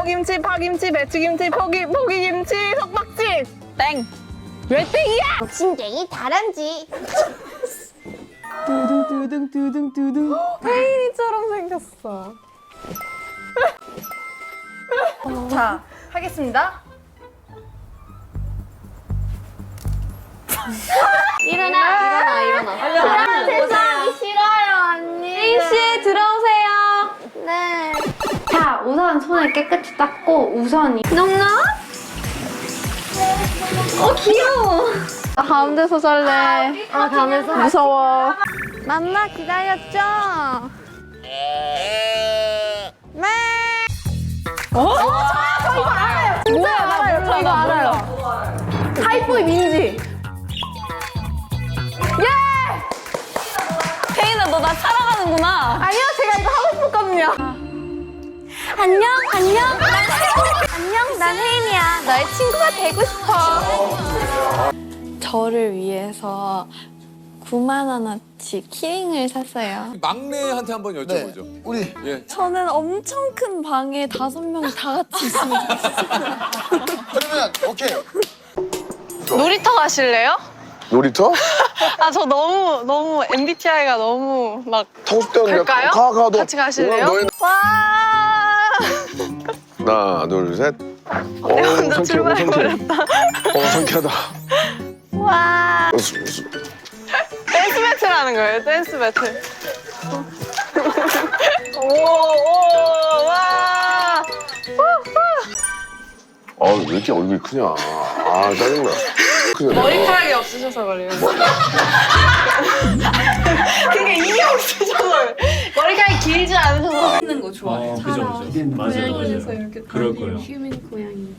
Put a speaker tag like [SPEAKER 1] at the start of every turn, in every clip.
[SPEAKER 1] 오김치, 파김치, 배추김치, 포기김치, 석박지. 땡. 왜 땡이야?
[SPEAKER 2] 욕심쟁이 다람쥐.
[SPEAKER 1] 두둥두둥두둥두둥. 혜인이처럼 생겼어. 자, 하겠습니다.
[SPEAKER 2] 일어나. 그런 세상이 싫어요, 언니.
[SPEAKER 3] 혜인씨 들어오세요.
[SPEAKER 2] 네.
[SPEAKER 3] 자, 우선 손을 깨끗이 닦고 우선이 농농? 귀여워. 가운데서 살래.
[SPEAKER 2] 가면서.
[SPEAKER 3] 무서워. 맘마 기다렸죠? 네.
[SPEAKER 1] 저 이거 알아요. 진짜 알아요. 저 이거 알아요. 하이보이 민지. 혜인아, 너 나 사랑하는구나. 아니요, 제가 이거 하고 싶었거든요.
[SPEAKER 3] 안녕. 안녕, 난 혜인이야. 너의 친구가 되고 싶어. 저를 위해서 9만 원어치 키링을 샀어요.
[SPEAKER 4] 막내한테 한번 여쭤보죠.
[SPEAKER 5] 우리
[SPEAKER 4] 예.
[SPEAKER 3] 저는 엄청 큰 방에 5명이 다 같이 있으면
[SPEAKER 5] 그러면 오케이.
[SPEAKER 1] 놀이터 가실래요?
[SPEAKER 5] 놀이터?
[SPEAKER 1] 아, 저 너무 MBTI가 너무 막.
[SPEAKER 5] 타고 싶다 근데
[SPEAKER 1] 갈까요?
[SPEAKER 5] 가 너.
[SPEAKER 1] 같이 가실래요?
[SPEAKER 5] 너희
[SPEAKER 1] 와.
[SPEAKER 5] 하나 둘 셋.
[SPEAKER 1] 혼자 출발해버렸다.
[SPEAKER 5] 상쾌하다.
[SPEAKER 1] 와. 댄스 배틀 하는 거예요, 댄스 배틀. 오, 와.
[SPEAKER 5] 왜 이렇게 얼굴이 크냐. 아 짜증나. 크냐.
[SPEAKER 1] 머리카락이 없으셔서 그래요. 그게 이게 없으셔서 그래요. 머리카락이 길지 않으셔서.
[SPEAKER 6] 하는 거 좋아해요.
[SPEAKER 7] 그죠. 맞아요.
[SPEAKER 6] 이렇게
[SPEAKER 7] 그럴 거예요.
[SPEAKER 6] 휴민 고양이.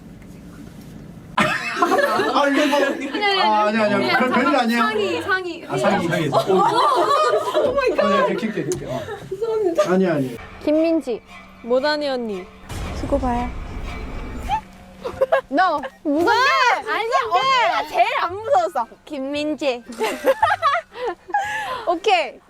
[SPEAKER 7] 아니야. 그런 별일 아니야.
[SPEAKER 6] 상의.
[SPEAKER 7] 상이. 오 마이 갓. 이렇게. 죄송합니다. 아니야.
[SPEAKER 3] 김민지.
[SPEAKER 1] 모다니 언니.
[SPEAKER 3] 두고 봐요.
[SPEAKER 1] 너 무섭게? 아니, 언니가 제일 안 무서웠어.
[SPEAKER 3] 김민지.
[SPEAKER 1] 오케이.